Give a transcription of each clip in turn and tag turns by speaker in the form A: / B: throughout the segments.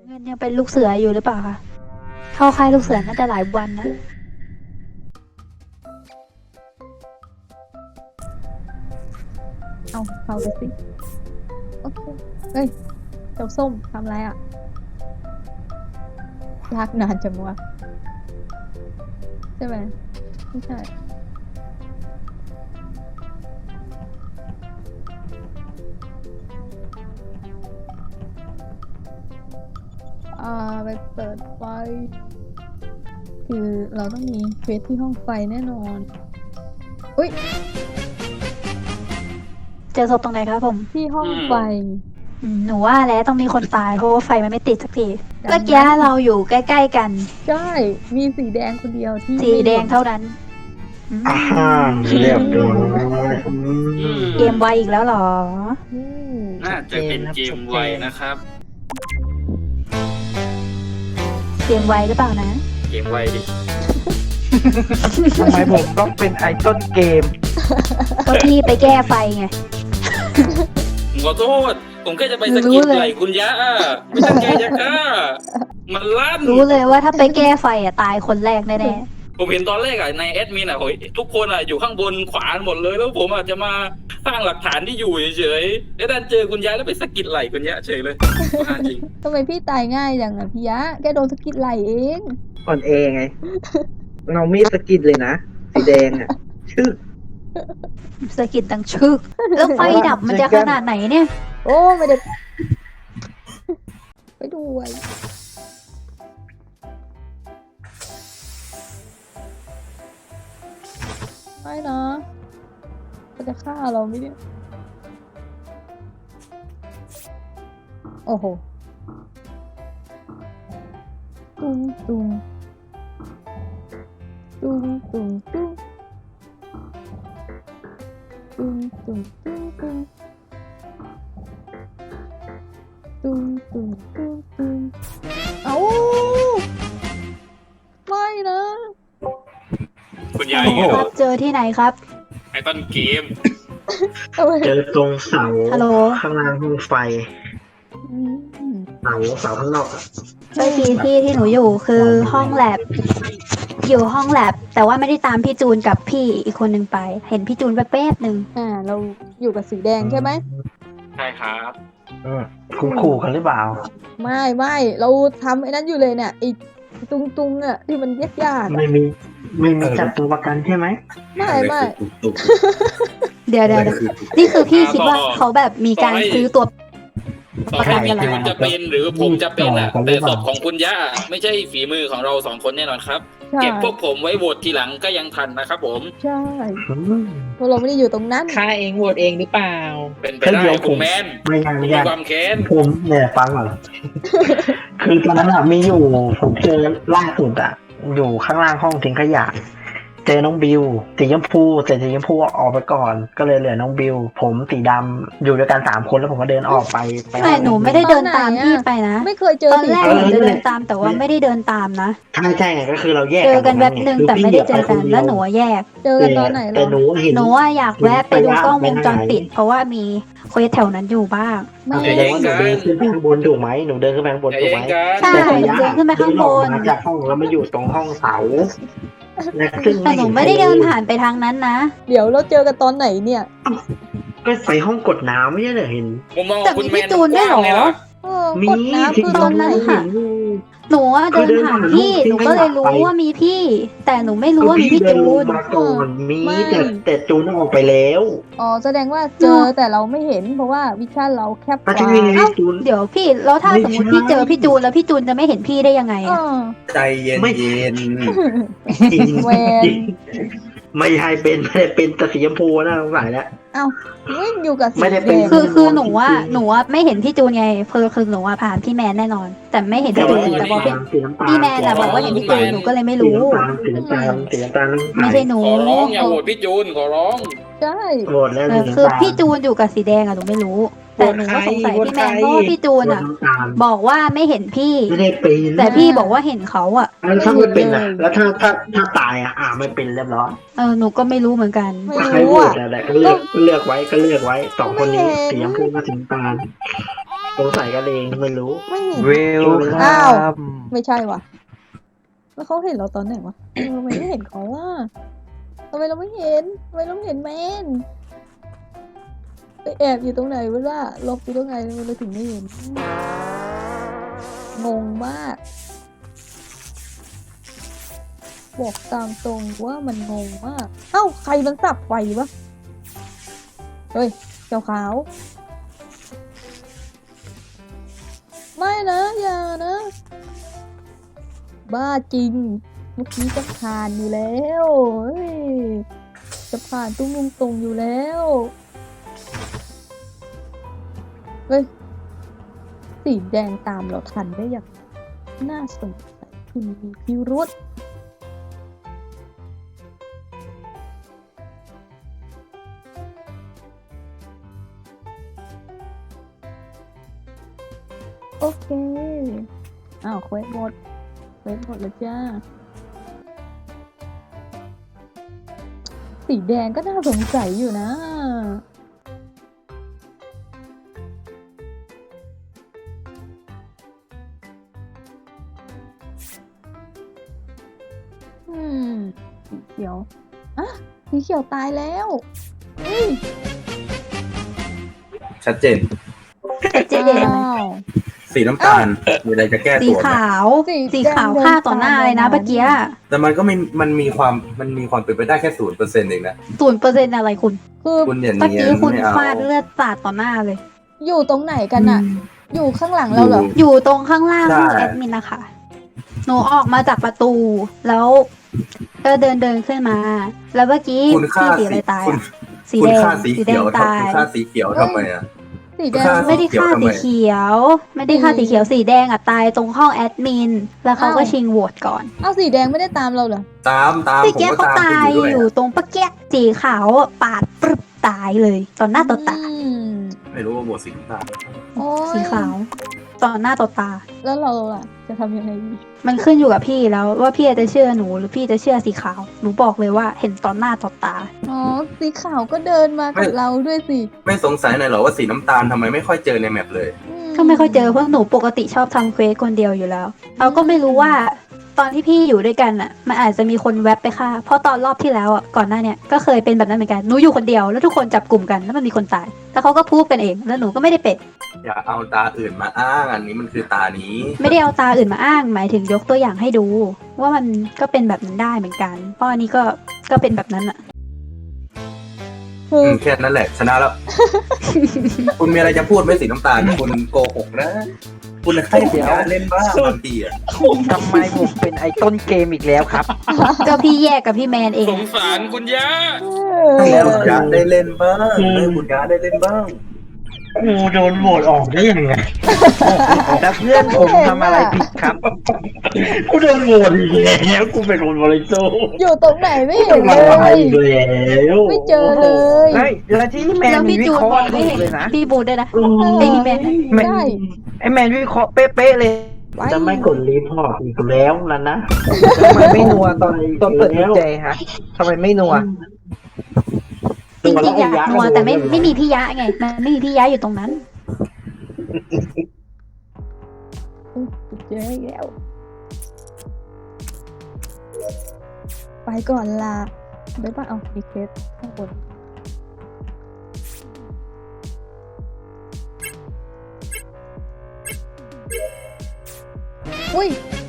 A: เงินยังเป็นลูกเสืออยู่หรือเปล่าคะเข้าค่ายลูกเสือน่าจะหลายวันนะ
B: เอาไปสิโอเคเฮ้ยเจ้าส้มทำอะไรอ่ะลากนานจังวะใช่ไหมไม่ใช่ไปเปิดไฟคือเราต้องมีเควสที่ห้องไฟแน่นอนอุ้ย
A: เจอศพตรงไหนครับผม
B: ที่ห้องไฟ
A: หนูว่าแล้วต้องมีคนตายเพราะว่าไฟมันไม่ติดสักที
B: ดังนั้น
A: เมื่อกี้เราอยู่ใกล้ๆกัน
B: ใช่มีสีแดงคนเดียวที่
A: สีแดงเท่านั้นอืม
C: เรียบร้อย
A: เกมไวอีกแล้วเหรอ
B: อืม
D: น่าจะเป็นเกมไวนะครับ
A: เกมไวหรือเปล่านะ
D: เกมไวดิ
C: ทำไมผมต้องเป็นไอต้นเกม
A: ก็พี่ไปแก้ไฟไง
D: ผมขอโทษ ผมแค่จะไปสะกิดไหล่คุณยะไม่ต้องแกจะฆ่ามันลั่น
A: รู้เลยว่าถ้าไปแก้ไฟอ่ะตายคนแรกแน่
D: ผมเห็นตอนแรกในแอดมินโหยทุกคนอยู่ข้างบนขวาหมดเลย แล้วผมจะมาสร้างหลักฐานที่อยู่เฉยๆแล้วดันเจอคุณยะแล้วไปสะกิดไหล่คุณยะเฉยเลยจริง
B: ทำไมพี่ตายง่ายจังอ่ะพี่ยะแกโดนสะกิดไหลเอง
C: อ่อนเอไง เรามีดสะกิดเลยนะ สีแดงอ่ะ ชื่อ
A: ๆสะกิดดังชึก แล้วไฟดับมันจะขนาดไหนเนี่ย
B: โอ้ไม่ได้ไปด้วยไม่นะเขาจะฆ่าเราไหมเนี่ยโอ้โหตุ้งตุ้งตุ้งตุ้งตุ้งตุ้งตุ้งตุ้งตุ้งตุ้งตุ้งตุ้งตุ้งเอ้าไม่นะ
D: ๆคุณยะอย่างเงี้ย
A: ครับเจอที่ไหนครับ
D: ไอ้ต้นเกม
B: ทำไม
C: เจอตรงเสา
A: ฮัลโหล
C: ข้างล่างห้องไฟ
B: อืม
C: เสาข้างนอกอะ
A: เมื่อกี้ที่หนูอยู่คือห้องแลบอยู่ห้องแลบแต่ว่าไม่ได้ตามพี่จูนกับพี่อีกคนหนึ่งไป เห็นพี่จูนแป๊บๆหนึ่ง
B: เราอยู่กับสีแดงใช่ไหม
D: ใช่ครับ
C: คุณขู่กันหรือเปล่า
B: ไม่เราทำไอ้นั้นอยู่เลยเนี่ยไอ้ตุงอ่ะที่มันยากๆอะ
C: ไม่มีจับตัวประกันใช่ไหม
B: ไม่
A: เดี๋ยวนี่คือพี่คิดว่าเขาแบบมีการซื้อตัว
D: ต่อให้พี่จูนจะเป็นหรือผมจะเป็นแต่ศพของคุณยะไม่ใช่ฝีมือของเราสองคนแน่นอนครับ
B: ใช่
D: เก็บพวกผมไว้โหวตทีหลังก็ยังทันนะครับผม
B: ใช่
C: อืม
B: เพราะเราไม่ได้อยู่ตรงนั้น
E: ฆ่าเองโหวตเองหรือเปล่า
D: เป็นไปได้คุณแมน
C: ไม่ยัง
D: มี
C: ยัง
D: ความแค้น
C: ผมเนี่ยฟังก่อน คือตอนนั้นอะมีอยู่ผมเจอล่าสุดอะอยู่ข้างล่างห้องทิ้งขยะ เจอน้องบิวสีชมพูแต่สีชมพูออกไปก่อน ก็เลยเหลือน้องบิว ผมสีดำอยู่ด้วยกัน3 คนแล้วผมก็เดินออกไป
A: แต่หนูไม่ได้เดินตามพี่ไปนะ
B: ไม่เคยเจอ
A: ตอนแรก
B: สี
A: หนูจะเดินตามแต่ว่าไม่ได้เดินตามนะ
C: ใช่ไงก็คือเราแยก
A: เจอกันแบบหนึ่งแต่ไม่ได้เจอกันแล้วหนูแยก
B: เจอกันตอนไหน
C: แต่
B: เรา
C: หนูเห็น
A: หนูว่าอยากแวะไปดูกล้องวงจรปิด เพราะว่ามีเควสแถวนั้นอยู่บ้าง
B: ไม่
C: แสดงว่าหนูเดินขึ้นไปข้างบนถูกไหมหนูเดินขึ้นไปข้างบน
D: อย่า
C: ถูก
D: แย่
C: ไหม
D: งกัน
A: ใช่หนูเดินขึ้นไปข้างบน
C: เดิออกมาจากห้องแล้วมาอยู่ตรงห้องเสาและซึ่ง
A: แต่หนูไม่ได้เดินผ่านไปทางนั้นนะ
B: เดี๋ยวเราเจอกันตอนไหนเนี่ย
C: ก็ไปห้องกดน้ำไม่ใช่เหรอเห็น
D: ผมมอง
A: แต่
D: คุณ
A: มี
D: แม
A: พี่
D: น
A: จูนด้วยเหรอ
D: กว้างเลยนะ
C: มี
B: กดน้ำ
C: ที่
B: คือ
C: ต
B: ต
C: อ
B: อน น
C: ไห
B: ไห
C: น
B: น
C: เห็น
A: หนูว่าเดินผ่านพี่ หนูก็เลยรู้ว่ามีพี่ แต่หนูไม่รู้ว่ามีพี่
C: เดิน
A: จู
C: ลง
A: น
C: มาก่อนมี
B: ไม่
C: แต่จูนออกไปแล้ว
B: อ๋อแสดงว่าเจอแต่เราไม่เห็นเพราะว่าวิชั่นเราแคบก
C: ก็
B: ว่า
C: ใช่ไง
A: เอ้า
C: จูน
A: เดี๋ยวพี่ แล้วถ้าสมมติพี่เจอพี่จูนแล้วพี่จูนจะไม่เห็นพี่ได้ยังไง
B: อ๋
A: อะ
B: อ
E: ใจเย็น
C: ไม่
E: เย็น
C: จริง
B: แหวน
C: จริงไม่ใช่เป็นไม่ได้เป็นแต่สีชมพูนะสงสัยแล้ว
B: เอ้าวิ่งอยู่กับสี
C: ไม่ได้
B: แด
C: เป็น
B: ง
A: คือหนูว่าไม่เห็นพี่จูนไงคือหนูว่าผ่านพี่แมนแน่นอน แต่ไม่เห็นพี่จูนแต่พอพี่
C: สีน้ำตาล
A: พี่แมนอะบอกว่าเห็นพี่จูนหนูก็เลยไม่รู้
C: สีน้ำตาลสีน้ำตาล
A: ไม่ใช่หนู
D: ขอร้องอย่าโหวตพี่จูนขอร้อง
B: ใช่
C: โหวตแล้ว
A: คือพี่จูนอยู่กับสีแดงอะหนูไม่รู้ แต่หนูก็สงสัยพี่แมนเพราะว่าพี่จูนอะบอกว่าไม่เห็นพี่
C: ไม่ได้เป็น
A: แต่พี่บอกว่าเห็นเขาอะ
C: แล้วถ้าไม่เป็นอ่ะ แล้วถ้าตายอ่ะไม่เป็นเรียบร้อย
A: หนูก็ไม่รู้เหมือนกัน
B: ไม่
C: ใคร
B: รู้
C: โหว
B: อ่ะ
C: ตอะไรก็เลือกไว้สองคนนี้สีชมพูกับสีน้ำตาลสงสัยกันเองไม่รู้
B: ไม่เห็น
F: เวล
B: อ้า
F: คั
B: ว
F: ม
B: ไม่ใช่ว่ะแล้วเขาเห็นเราตอนไหนวะทำไมไม่เห็นเขาว่าทำไมเราไม่เห็นแมนไปแอบอยู่ตรงไหนวะล่ะหลบอยู่ตรงไหนเราถึงไม่เห็นงงมากบอกตามตรงว่ามันงงมากเอ้าใครมันสับไฟวะเฮ้ยเจ้าขาวไม่นะอย่านะบ้าจริงเมื่อกี้จะผ่านอยู่แล้วเฮ้ยจะผ่านตุ้งลุงตรงอยู่แล้วเฮ้ยสีแดงตามเราทันได้อย่างน่าสงสัยคุณมีพิรุธโอเคอ้าวเควสหมดแล้วจ้าสีแดงก็น่าสงสัยอยู่นะสีเขียวอ่ะสีเขียวตายแล้วเฮ้ย
G: ชัดเจน
A: เจ๊เดน
B: อ้าว
G: สีน้ำตาลมีอะไรจะแก้
A: สี
G: ตัวไหม
A: ขาว สีขาวฆ่าต่อหน้าเลยนะเมื่อกี้
G: แต่มันก็มันมีความเป็นไปได้แค่0%เองนะ
A: 0%อะไรคุณ
B: คือ
G: คุณอย่า
A: เมื่อ
G: เนีย
A: กี้
G: น
A: คุณ
G: ไม่เอา
A: ฟาดเลือดสาดต่อหน้าเลย
B: อยู่ตรงไหนกันอะอยู่ข้างหลังเราเหรอ
A: อยู่ตรงข้างล่าง
G: ใช่
A: ห้องแอดมินนะคะหนูออกมาจากประตู แล้วก็เดินขึ้นมา แล้วเมื่อกี้
G: คุณฆ่า
A: พี่สีอะไรตาย
G: คุณ
A: อะสี
G: คุณ
A: แดง
G: ฆ่าสี
A: สีแด
G: เขีย
A: ง
G: ว
A: ตาย
G: คุณฆ่าสีเขียวทำไมอ่ะ
B: สีแดง
G: ฆ่า
A: ไม่ได้ฆ่า
G: สี
A: สี
G: เขียว
A: ไม่ได้ฆ่าสีเขียวสีแดงอะตายตรงห้องแอดมิน แล้วเขาก็ชิงโหวตก่อน
B: เอาสีแดงไม่ได้ตามเราเหรอ
G: ตาม
A: สี
G: ผม
A: แก้
G: ก็
A: เขา
G: ตาม
A: ตา
G: คุ
A: ย
G: ณอยู่ด้วย
A: อยู่ตรงปะแก้สีขาวอะปาดปรึบตายเลยตอนหน้าต่อตา
G: ไม่รู้ว่าโหวตสีน้ำตาล
B: โอ้ย
A: สีขาวตอนหน้าต่อตา
B: แล้วเราล่ะ จะทำยังไงดี
A: มันขึ้นอยู่กับพี่แล้วว่าพี่จะเชื่อหนูหรือพี่จะเชื่อสีขาวหนูบอกเลยว่าเห็นตอนหน้าต่อตา
B: อ๋อ สีขาวก็เดินมากับเราด้วยสิ
G: ไม่สงสัยหน่อยเหรอว่าสีน้ำตาลทำไมไม่ค่อยเจอในแมปเลย
A: ก็ไม่ค่อยเจอเพราะหนูปกติชอบทำเควสคนเดียวอยู่แล้วเราก็ไม่รู้ว่าตอนที่พี่อยู่ด้วยกันอ่ะมันอาจจะมีคนแวบไปฆ่าเพราะตอนรอบที่แล้วอ่ะก่อนหน้าเนี่ยก็เคยเป็นแบบนั้นเหมือนกันหนูอยู่คนเดียวแล้วทุกคนจับกลุ่มกันแล้วมันมีคนตายแล้วเขาก็พูดกันเองแล้วหนูก็ไม่ได้เป็น
G: อย่าเอาตาอื่นมาอ้างอันนี้มันคือตานี้
A: ไม่ได้เอาตาอื่นมาอ้างหมายถึงยกตัวอย่างให้ดู ว่ามันก็เป็นแบบนั้นได้เหมือนกันเพราะอันนี้ก็เป็นแบบนั้นอ่ะ
B: คือ
G: แค่นั้นแหละชนะแล้ว คุณมีอะไรจะพูดไหมสีน้ำตาล คุณโกหกนะ คุณให้ผมเล่นบ้างบางทีอ่ะ
F: ทำไมผมเป็นไอ้ต้นเกมอีกแล้วครับ
A: ก็พี่แยกกับพี่แมนเอ
D: ส
A: ง
D: งสารคุณย่า
G: ให้คุณยาได้เล่นบ้างให้คุณยาได้เล่นบ้าง
C: กูโดนโหวตออกได้ยังไง
F: แล้วเพื่อนผมทำอะไรผิดครับ
C: กูโดนโหวตอีกแล้วกูเป็นคนบริสุทธิ์
B: อยู่ตรงไหนไม่
C: กู
B: เห็น
C: มา
B: เล
C: อะไร
B: ย
C: อีกแล้ว
B: ไม่เจอเลย
F: แล้วที่แมน
A: แล้ว
F: มี
A: พี่
F: วิ
A: จูน
F: เคราะ
A: บอ
F: ห์
A: กไม่
F: ถู
A: เห็
F: ก
A: น
F: เลยนะ
A: พี่บูดด้วยนะ
C: อืม
A: ไอ้พี่แมน
B: ใช่
F: ไอ้แมนวิเคราะห์เป๊ะๆเลย
C: จะไม่กดรีพอร์ตอีกแล้วนะ
F: ทำไมไม่นัวตอนเปิดกุญแจฮะทำไมไม่นัว
A: จริงๆอยากนัวแต่ไม่มีพี่ยะไงมันไม่มีพี่ยะอยู่ตรงนั้น
B: เจออีกแล้ว ไปก่อนล่ะบ๊ายบายเอามีเคสข้างบนอุ้ย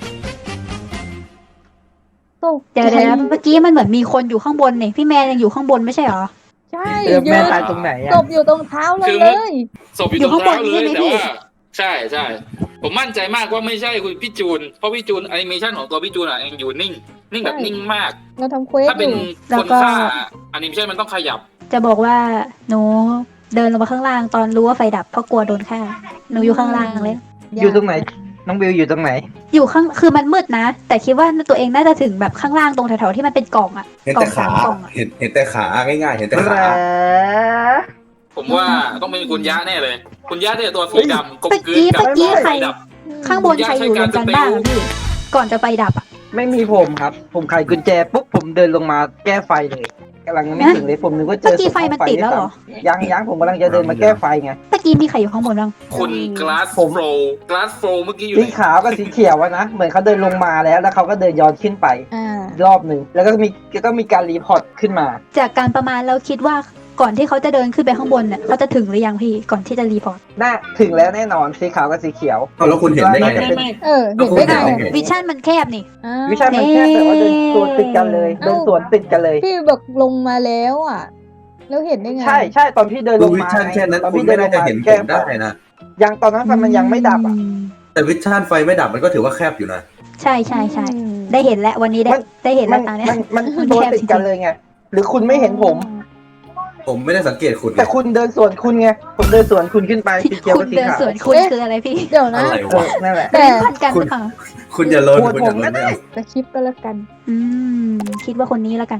B: ตก
A: เดี๋ยว
B: ใจ
A: นะเมื่อกี้มันเหมือนมีคนอยู่ข้างบนนี่พี่แมนยังอยู่ข้างบนไม่ใช่เหรอ
B: ใช่
F: แมนตายตรงไหน
B: ศ
F: อ่ะ
B: พอยู่ตรงเท้าเรา
D: คือ
B: เลย
D: ศพอยู่ตรงเท้าเลยแต่ว่าใช่ผมมั่นใจมากว่าไม่ใช่คุณพี่จูนเพราะพี่จูนแอนิเมชันของตัวพี่จูนอ่ะยังอยู่นิ่งแบบนิ่งมาก
B: เราทำเควส
D: ถ้า
B: อ
D: เป็น
B: ยู่
D: คนฆ่าแอนิเมชันมันต้องขยับ
A: จะบอกว่าหนูเดินลงมาข้างล่างตอนรู้ว่าไฟดับเพราะกลัวโดนฆ่าหนูอยู่ข้างล่างเลย
F: อยู่ตรงไหน น้องบิวอยู่ตรงไหน
A: อยู่ข้างคือมันมืดนะ แต่คิดว่าตัวเองน่าจะถึงแบบข้างล่างตรงแถวๆที่มันเป็นกล่องอะ
G: เห็น
A: กล่อ
G: แต่
A: งสา
G: ขาม
A: กล่องอะ
G: เห็นแต่ขาง่ายๆ เห็นแต่ขา
D: ผมว่าต้องเป็นคุณย่าแน่เลย คุณย่าเนี่ยตัวสีดำกลม
A: เมื่อก
D: ลืน
A: กี้
D: กับ
A: เมื่อกี้ใคร
D: ไฟดับ
A: ข้างบนใครอยู่รวมกันบ้างอะพี่ก่อนจะไฟดับอะ
F: ไม่มีผมครับ ผมไขกุญแจปุ๊บผมเดินลงมาแก้ไฟเลยกำลังไม่ถึงเลยผมนึกว่าเจอ
A: เมื่อกี้ไฟมันติดแล้วเหรอ
F: ยังผมกำลังจะเดินมาแก้ไฟไง
A: ตะกี้มีใครอยู่ข้างบนบ้าง
D: คุณกลาสโฟเมื่อกี้อยู่
F: สี
D: ไหน
F: ขาวกับสีเขียวอะนะเหมือนเขาเดินลงมาแล้วเขาก็เดินย้อนขึ้นไป
B: อ่า
F: รอบหนึ่งแล้วก็มีการรีพอร์ตขึ้นมา
A: จากการประมาณเราคิดว่าก่อนที่เขาจะเดินขึ้นไปข้างบนเนี่ยเขาจะถึงหรือยังพี่ก่อนที่จะรีพอร์ต
F: น่าถึงแล้วแน่นอนสีขาวกับสีเขียว
G: เอาแล้วคุณเห็นได้ไง
F: จะเป็น
B: เห็นได้ไง
G: โอเค
A: วิชั่นมันแคบนี่
B: อ่า
F: วิชามันแค่แต่ว่าเดินสวนติดกันเลยเดินสวนติดกันเลย
B: พี่บอกลงมาแล้วอ่ะ แล้วเห็นได้ไง
F: ใช่ตอนพี่เดินล
G: ดู
F: ง
G: วิ
F: มา
G: ชั่นแค่นั้น
F: ตอน
G: คุณ
F: พี่เดิ
G: ไม่
F: นล
G: น่าง จะ
F: มา
G: เห็นผ
F: แก้
G: ม
F: ไฟ
G: ได้นะ
F: ยังตอนนั้นไฟมันยังไม่ดับอ่ะ
G: แต่วิชั่นไฟไม่ดับมันก็ถือว่าแคบอยู่นะ
A: ใช่ได้เห็นแล้ววันนี้ได้เห็น
F: มั
A: แล้วตาเนี่ย
F: มันตัวติดกันเลยไงหรือคุณไม่เห็นผม
G: ผมไม่ได้สังเกตคุณ
F: แต่คุณเดินสวนคุณไงผมเดินสวนคุณขึ้นไปสีเขียว
A: คุ
F: กับ
A: ณ
F: สี
A: เดิน
F: ขาว
A: สวนคุณคืออะไรพี่
B: เดี๋ยวนะ
G: อะไรวะ
F: นั่นแหละ
B: แต่
A: พันกันหรือเปล่า
G: คุณอย่าล้น
F: โหวต
G: คุณอย่า
F: ผม
G: ล้
F: ก็
G: น
F: ได้
G: เนี่ย
B: จะคลิปก็แล้วกัน
A: อืมคิดว่าคนนี้แล้วกัน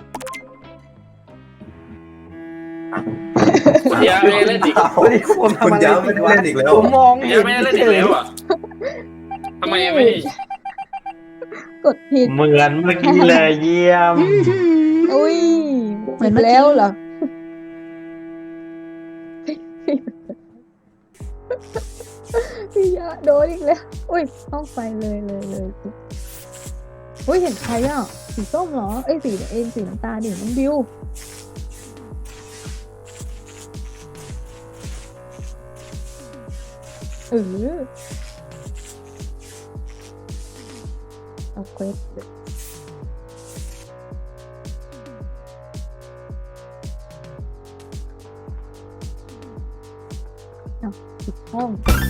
D: คุณยาไม่ได้เล่นอีก
F: วันนี้ผม
G: คุณ
F: ทำอะไร
G: ย้ำไม่ได้เล่นอีกแล้ว
F: ผมมอง
D: คุณ
F: เห็
D: ยาน ไม่ได้เล่นอีกแล้วอ่ะทำไมไม่
B: กดผิด
C: เหมือนเมื่อกี้เลยเยี่ยม
B: อุ้ย
A: เหมือนเมื่อกี้
B: แล้วเหรอ พี่ยะโดนอีกแล้ว อุ้ยห้องไฟเลยอุ้ยเห็นใครอ่ะ สีส้มเหรอ เอ้ยสีน้ำตาลดิน้องบิวเอาเควสปิดห้อง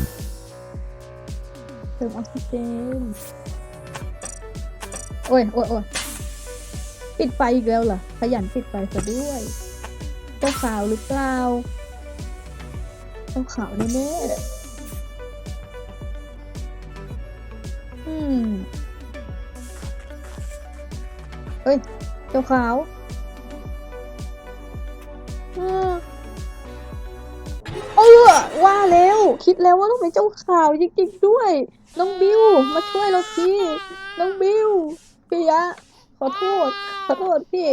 B: เติมออกซิเจนโอ้ยปิดไฟอีกแล้วเหรอ ขยันปิดไฟซะด้วยเจ้าขาวหรือเปล่าเจ้าขาวแน่ๆเอ้ยเจ้าขาวว่าแล้วคิดแล้วว่าต้องเป็นเจ้าข่าวจริงๆด้วย น้องบิวมาช่วยเราทีน้องบิวพี่ยะขอโทษพี่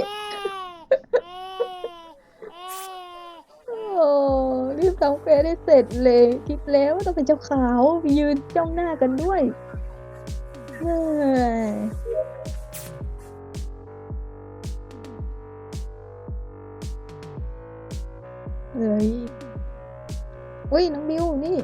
B: โอ้รีบทำเฟซได้เสร็จเลยคิดแล้วว่าต้องเป็นเจ้าขาวยืนจ้องหน้ากันด้วยเฮ้ยอุ้ยน้องบิวนี่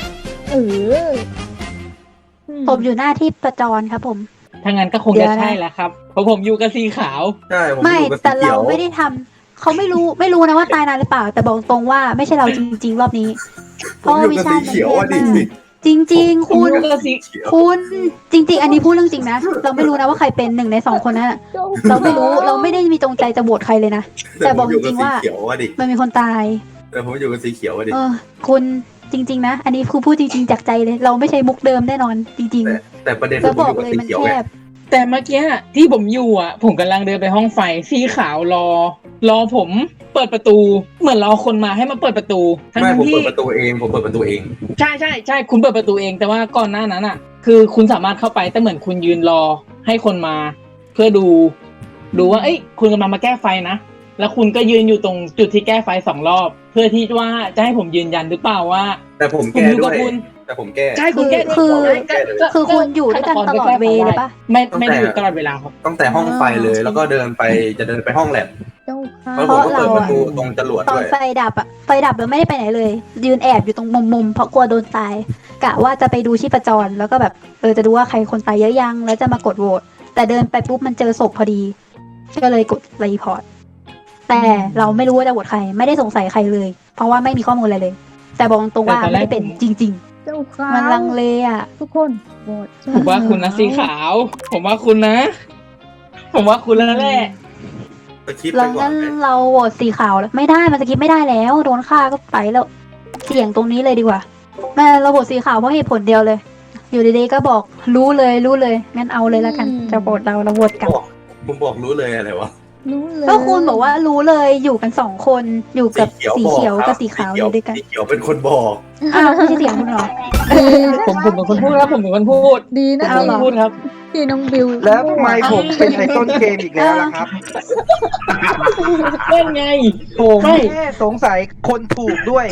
A: ผมอยู่หน้าที่ประจรครับผม
E: ถ้างั้นก็คงจะใช่แหละครับเพราะผมอยู่กับสีขาว
G: ใช่ผม
A: ไม่
G: อยู่กับสี
A: แต่
G: เขี
A: เรา
G: ยว
A: ไม่ได้ทำเขาไม่รู้นะว่าตายนานหรือเปล่า แต่บอกตรงว่าไม่ใช่เราจริงๆรอบนี้ เพ
G: ผม
A: ราะ
G: อยู่
A: วิ
G: กับ
A: ชา
G: สี
A: มัน
G: เขียว
A: แค
G: อ่ะ
A: บ
G: ดิ
A: มากจริง ๆ
E: ผม
A: คุณ
E: อยู่กับสี
A: คุณจริง ๆ อันนี้พูดเรื่องจริงนะเราไม่รู้นะว่าใครเป็นหนึ่งในสองคนนั้นอะเราไม่รู้เราไม่ได้มีจงใจจะโหวตใครเลยนะแต่บอกจริงๆว่า
G: เขียวอ่ะดิ
A: มันมีคนตาย
G: แต่ผมอยู่กับสีเขียวอ่ะดิ
A: คุณจริง ๆ นะ อันนี้คือพูดจริง ๆ จากใจเลย เราไม่ใช่มุกเดิมแน่นอน จริง
G: แต่ประเด็น
A: ๆ
G: คื
A: แล้
G: อ
A: ว
G: ผม
A: บ
G: อ
A: อก
G: ยู่กับ
A: เลย
G: สี
A: มัน
G: เขียว
A: แค
G: ไง
A: บ
E: แต่เมื่อกี้ที่ผมอยู่ผมกำลังเดินไปห้องไฟสีขาวรอผมเปิดประตู เหมือนรอคนมาให้มาเปิดประตูทั้
G: ไม่
E: ง
G: ผม
E: ที่
G: เปิดประตูเอง
E: ใช่คุณเปิดประตูเองแต่ว่าก่อนหน้านั้นอ่ะ คือคุณสามารถเข้าไปแต่เหมือนคุณยืนรอให้คนมา เพื่อดูว่าเอ้ยคุณกำลังมาแก้ไฟนะแล้วคุณก็ยืนอยู่ตรงจุดที่แก้ไฟ2 รอบ เพื่อที่ว่าจะให้ผมยืนยันหรือเปล่าว่า
G: แต่ผม
E: ผม
G: แก้
E: อยู่
G: ด้
E: กั
G: ว
E: บ
G: ย
E: คุณ
G: แต่ผมแก้
E: ใช่คุณแก้ด้วย
A: คือคุณอยู่ด้วยกันตลอดเวย์เลยปะ
E: ไม่ได้อยู่ตลอดเวลาครับ
G: ตั้งแต่ห้องไฟเลยแล้วก็เดินไปห้องแลบ
B: เจ้าค่ะ
G: แล้วผมก็เปิดประตูตรงจรวด
A: ตอ
G: ด้
A: น
G: วย
A: ไฟดับแล้วไม่ได้ไปไหนเลย ยืนแอบอยู่ตรงมุมเพราะกลัวโดนตายกะว่าจะไปดูชีพจรแล้วก็แบบจะดูว่าใครคนตายเยอะยังแล้วจะมากดโหวตแต่เดินไปปุ๊บมันเจอศพพอดีก็เลยกดรีพอร์ตแต่เราไม่รู้ว่าจะโหวตใครไม่ได้สงสัยใครเลย เพราะว่าไม่มีข้อมูลอะไรเลย แต่บอกตรงว่าไม่ได้เป็นจริง
B: เจ้าค่ะ
A: ๆ มันลังเลอ่ะ
B: ทุกคนโหวต
E: ผมว่าคุณนะสีขาว ผมว่าคุณนะ ผมว่าคุณแล้วแหละ
G: สคริปต์
A: เรา
G: ไปก่อ
A: งั้
G: น
A: น
G: ไหม
A: เราโหวตสีขาวแล้วไม่ได้มันสกิปไม่ได้แล้วโดนฆ่าก็ไปแล้วเสี่ยงตรงนี้เลยดีกว่าแม่เราโหวตสีขาวเพราะเหตุผลเดียวเลย อยู่ดีๆก็บอกรู้เลยงั้นเอาเลยแล้วกันจะโหวตเราโหวตกลับ
G: ผมบอกรู้เลยอะไรวะ
B: รู้เลย
A: ก็คุณบอกว่ารู้เลยอยู่กัน2 คนอยู่กับสีเขียวกับสีขาวอยู่ด้วยกัน
G: สีเขียวเป็นคนบอก
A: อ้าวไม่ใช่เสียงคุณเหรอ
E: ผมเป็นคนพูดครับผมเป็นคนพูด
B: ดีนะ
A: เอา
B: ที่
A: เหรอ
E: พูดครับ
B: ที่น้องบิว
F: แล้วทำไมผมเป็นไอ้ต้นเกมอีกแล้วล่ะครับ
E: เล่นไง
F: ผม
E: ไม่
F: แค่สงสัยคนถูกด้วย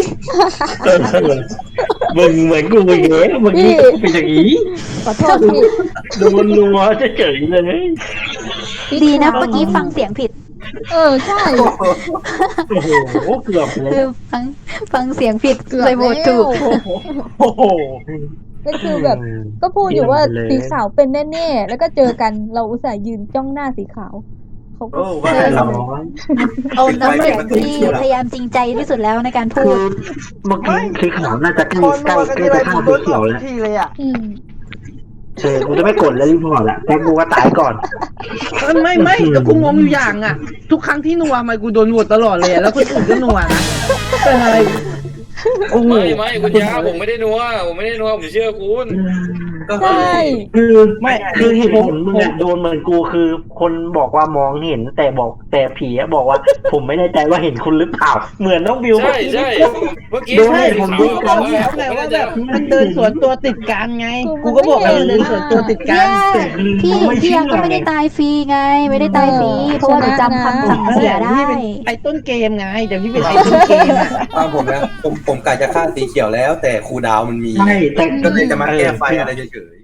C: มึงเหมือนกูอีกเลยมึงนี่เป็นอย่างนี้
B: ขอโทษพี่
C: โดนนัวจะเฉยเลย
A: ดีนะเมื่อกี้ฟังเสียงผิด
B: ใช่
C: โอ้โหเกือบเลย
A: คือฟังเสียงผิด
B: เกือบ
A: เลยโหวตถูก
E: โอ้โห
B: ก็คือแบบ ก็พูดอยู่ว่าสีขาวเป็นแน่ๆ แล้วก็เจอกันเราอุตส่าห์ยืนจ้องหน้าสีขาวเขาก็
G: โอ้ว่าแต่เรา
A: เอาน้ำเสียงที่พยายามจริงใจที่สุดแล้วในการพู
C: คือ
A: ด
C: เมื่อกี้คือขาวน่าจะใกล้
F: คน
C: ใกล้
F: มากัน
C: ใกล้
F: ที่ไร
C: จะ
F: ผ
C: ฆ่าม
F: โด
C: สี
F: น
C: เขียว
F: ทุ
C: แล้ว
F: กทีเลยอ่ะ
C: กูจะไม่กดแล้วรีพอร์ตละแต่กูก็ตายก่อน
F: ไม่แต่กูงงอยู่อย่างอ่ะ ทุกครั้งที่นัวทำไมกูโดนโหวตตลอดเลยอะแล้วคนอื่นก็นัวนะเป็นอะไรโอ้โห
D: ไม่คุณยาผมไม่ได้นัวผมเชื่อคุณ
G: ก็
B: ใช่
C: คือไม่คือเหตุผลมึงอะโดนเหมือนกูคือ คนบอกว่ามองเห็นแต่ผีอะบอกว่า ผมไม่แน่ใจว่าเห็นคุณหรือเปล่าเหมือนน้องบิว
D: ใช่ใช่เมื่อกี้
C: ดู
F: ใช่
C: ให้ผมดู
F: กูบอกแล้วไงว่าแบบมันเดินสวนตัวติดกันไง กูก็บอกแล้วมันเดินสวนตัวติดกัน
A: พี่ยังก็ไม่ได้ตายฟรีไง ไม่ได้ตายฟรีเพราะว่าหนูจำคำสั่งเสียได้
F: พี่เป็นไอ้ต้นเกมไงแต่พี่เป็นไอ้ต้นเกมอะ
G: ตามผมนะผมกะจะฆ่าสีเขียวแล้ว แต่ครูดาวมันมี
C: ใช่แต่
G: ก็เลยจะมาแก้ไฟอะไรเฉย